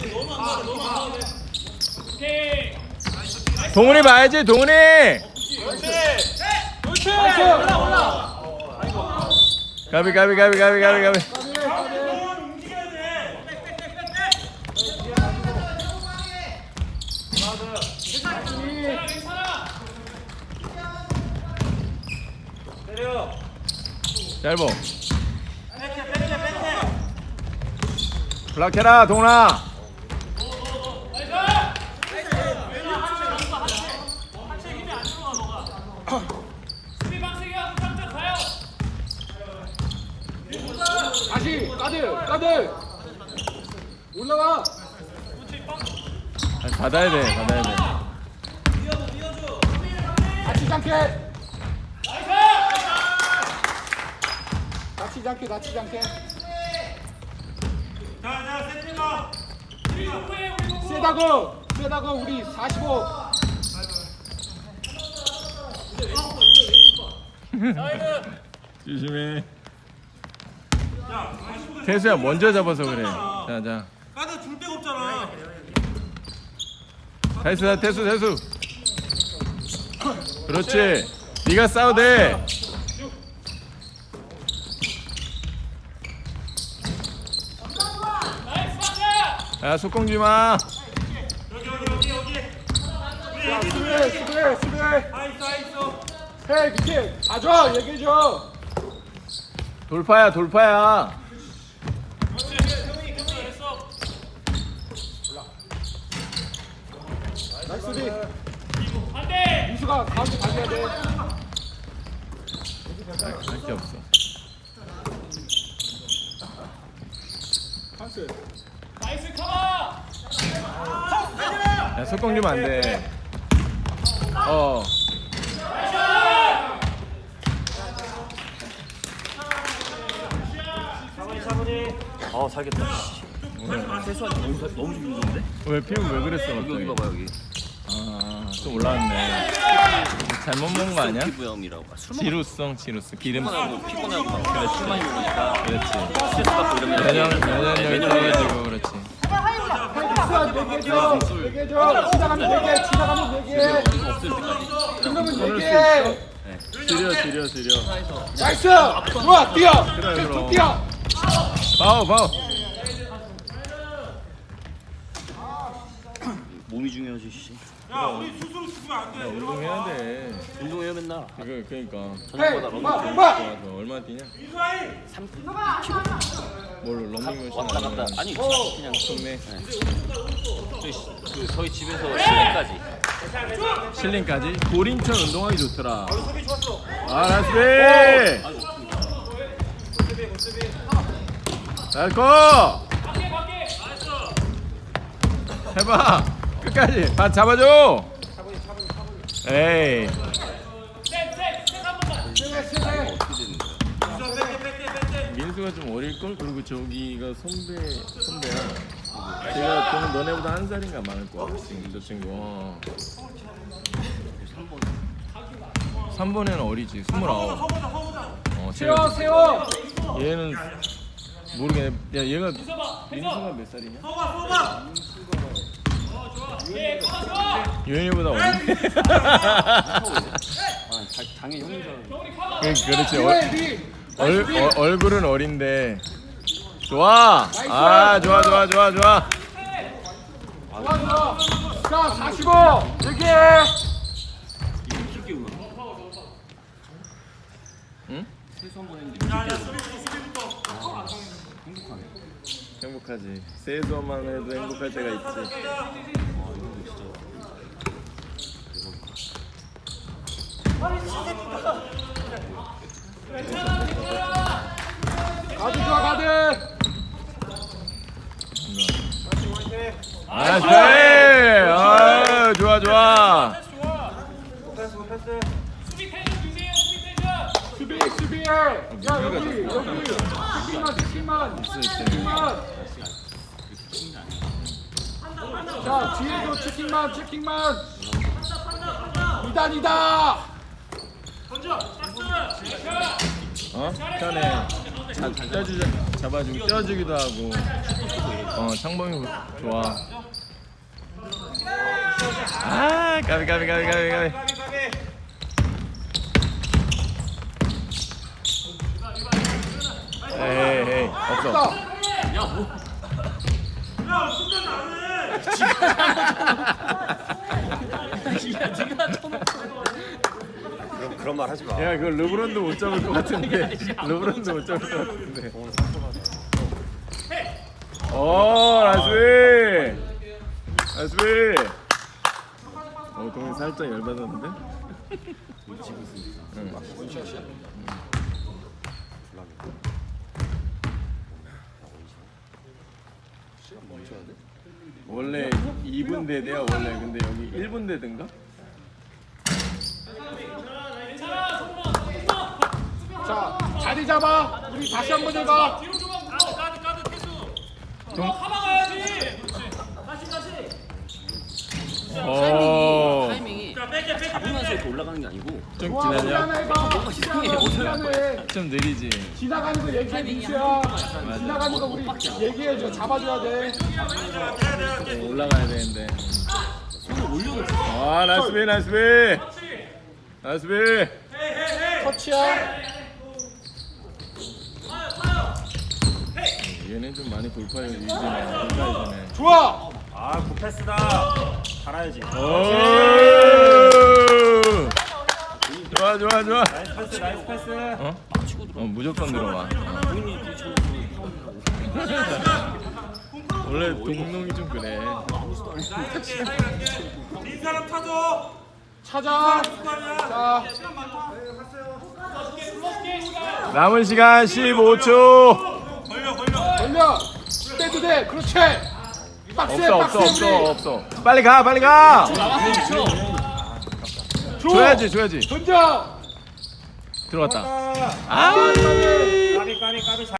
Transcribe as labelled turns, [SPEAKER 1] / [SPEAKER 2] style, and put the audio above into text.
[SPEAKER 1] 동훈이 봐야지 동훈이.
[SPEAKER 2] 올라.
[SPEAKER 1] 가비. 짧어. 블락해라 동훈아.
[SPEAKER 2] 다시 까들 올라와.
[SPEAKER 1] 받아야 돼.
[SPEAKER 2] 다치지 않게.
[SPEAKER 3] 자, 세팅아.
[SPEAKER 2] 세다고 우리 45.
[SPEAKER 1] 조심해. 태수야 먼저 잡아서 그래. 자.
[SPEAKER 3] 까드 줄 데가 없잖아.
[SPEAKER 1] 태수. 그렇지. 네가 싸워 돼. 야 속공지 마.
[SPEAKER 3] 여기.
[SPEAKER 2] 야, 수비.
[SPEAKER 3] 있어.
[SPEAKER 2] 해 밑에 가져 얘기해줘.
[SPEAKER 1] 돌파야.
[SPEAKER 2] 나이스 수비. 미수가 가운데 가져야 돼.
[SPEAKER 1] 할 게 없어.
[SPEAKER 2] 찬스.
[SPEAKER 1] 야 속공 주면 안 돼.
[SPEAKER 4] 살겠다. 세수한 너무 죽이는데?
[SPEAKER 1] 왜 피부 왜 그랬어
[SPEAKER 4] 여기
[SPEAKER 1] 갑자기?
[SPEAKER 4] 봐봐 여기.
[SPEAKER 1] 또 올라왔네. 잘못 먹은 거 아니야?
[SPEAKER 4] 피부염이라고.
[SPEAKER 1] 지루성 기름.
[SPEAKER 4] 피곤하고 막 술 많이 먹으니까.
[SPEAKER 1] 그렇지.
[SPEAKER 4] 스트레스 받고 이러면
[SPEAKER 1] 면역력이 떨어지고 그렇지.
[SPEAKER 2] 얘기해줘. 지나가면 얘기해.
[SPEAKER 4] 없을 때까지.
[SPEAKER 2] 그러면 얘기해.
[SPEAKER 1] 지려.
[SPEAKER 2] 나이스. 좋아 뛰어.
[SPEAKER 1] 그래, 그럼.
[SPEAKER 2] 뛰어.
[SPEAKER 1] 파워.
[SPEAKER 4] 몸이 중요하지 씨.
[SPEAKER 3] 야, 우리 스스로 죽으면 안 돼.
[SPEAKER 1] 운동해야 돼.
[SPEAKER 4] 운동해요 맨날.
[SPEAKER 1] 그러니까.
[SPEAKER 4] 저녁마다 러닝 좀
[SPEAKER 1] 좋아서 얼마 뛰냐?
[SPEAKER 3] 이수아이.
[SPEAKER 4] 3km.
[SPEAKER 1] 뭘로 런닝머신
[SPEAKER 4] 왔다 갔다. 아니 그냥
[SPEAKER 1] 동네
[SPEAKER 4] 저희 집에서 시내까지.
[SPEAKER 1] 실링까지 고린천 운동하기 좋더라. 나이스. 나이스. 해봐. 끝까지. 다 잡아줘. 에이. 민수가 좀 어릴걸? 그리고 저기가 선배야. 제가 너네보다 한 살인가 많을 거야. 저 친구. 3번에는 어리지. 29.
[SPEAKER 2] 세워.
[SPEAKER 1] 얘는 모르겠네. 야 얘가 민수가 몇 살이냐?
[SPEAKER 3] 서봐.
[SPEAKER 1] 유현이보다 어린데.
[SPEAKER 4] 당연히 형인 줄
[SPEAKER 1] 그렇지. 얼굴은 어린데. 좋아. 좋아.
[SPEAKER 2] 자 45. 얘기해.
[SPEAKER 1] 응?
[SPEAKER 4] 세수 한번 했는데
[SPEAKER 1] 행복하지. 세수만 해도 행복할 때가 있지.
[SPEAKER 2] 가드 좋아 가드.
[SPEAKER 1] 나이스. 좋아.
[SPEAKER 2] 수비해. 야 여기. 치킨만. 자 뒤에도 치킨만. 2단이다.
[SPEAKER 1] 편해. 잡아주기도 하고. 창범이 좋아. 아, 가비. 에이, 없어.
[SPEAKER 4] 야 뭐?
[SPEAKER 3] 야 순간 나네.
[SPEAKER 4] 야 네가 쳐놓고.
[SPEAKER 5] 그런 말 하지 마.
[SPEAKER 1] 야, 그거 르브론도 못 잡을 것 같은데. 르브론도 못 잡을 것 같은데. 오, 나이스. 동이 살짝 열받았는데? 응. 원래 2분 대대야 원래. 근데 여기 1분 대든가?
[SPEAKER 2] 자, 자리 잡아. 우리 다시 한번 해봐.
[SPEAKER 1] 오,
[SPEAKER 4] 타이밍이 잡으면서 이렇게 올라가는 게 아니고
[SPEAKER 1] 좀
[SPEAKER 2] 좋아, 우리
[SPEAKER 1] 기다려.
[SPEAKER 2] 하나 해봐.
[SPEAKER 4] 이상해.
[SPEAKER 2] 미안해.
[SPEAKER 1] 좀 느리지.
[SPEAKER 2] 지나가는 거 얘기해, 민수야. 지나가는 거 우리 얘기해줘. 잡아줘야 돼.
[SPEAKER 1] 올라가야 되는데.
[SPEAKER 4] 손을 올려놓고
[SPEAKER 1] 아, 나이스 비.
[SPEAKER 2] 터치야.
[SPEAKER 1] 얘네 좀 많이 돌파해 이제네.
[SPEAKER 2] 좋아.
[SPEAKER 3] 아 굿패스다. 달아야지.
[SPEAKER 1] 오! 좋아.
[SPEAKER 3] 나이스 패스.
[SPEAKER 1] 어? 무조건 들어와.
[SPEAKER 4] 본인이 부딪혀놓고
[SPEAKER 1] 원래 동농이 좀 그래.
[SPEAKER 3] 빈 사람 타줘.
[SPEAKER 2] 찾아. 자,
[SPEAKER 1] 남은 시간 15초.
[SPEAKER 3] 걸려.
[SPEAKER 2] 빼도 돼. 그렇지. 박스에
[SPEAKER 1] 없어. 빨리 가.
[SPEAKER 4] 나왔어.
[SPEAKER 1] 줘야지.
[SPEAKER 2] 던져.
[SPEAKER 1] 들어갔다.
[SPEAKER 3] 아,
[SPEAKER 1] 아!
[SPEAKER 3] 까비.